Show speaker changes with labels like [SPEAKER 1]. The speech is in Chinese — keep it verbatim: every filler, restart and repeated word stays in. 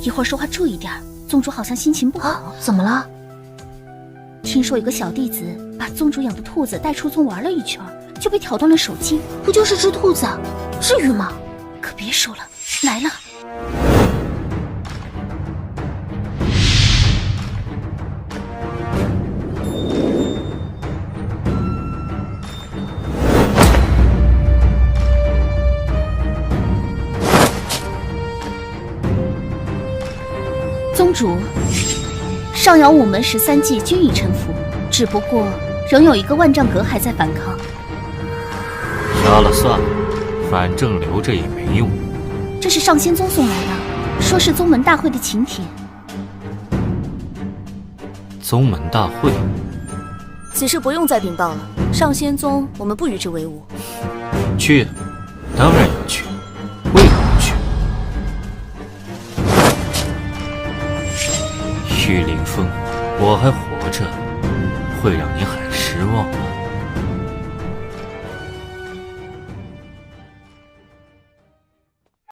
[SPEAKER 1] 一会儿说话注意点，宗主好像心情不好。
[SPEAKER 2] 啊、怎么了？
[SPEAKER 1] 听说有个小弟子把宗主养的兔子带出宗玩了一圈，就被挑断了手筋。
[SPEAKER 2] 不就是只兔子，至于吗？
[SPEAKER 1] 可别说了，来了。宗主，上瑶午门十三骑均已臣服，只不过仍有一个万丈阁还在反抗。
[SPEAKER 3] 杀了算了，反正留着也没用。
[SPEAKER 1] 这是上仙宗送来的，说是宗门大会的请帖。
[SPEAKER 3] 宗门大会？
[SPEAKER 4] 此事不用再禀报了。上仙宗，我们不与之为伍。
[SPEAKER 3] 去，当然要去，为何不去？玉凌风，我还活着，会让你很失望吗？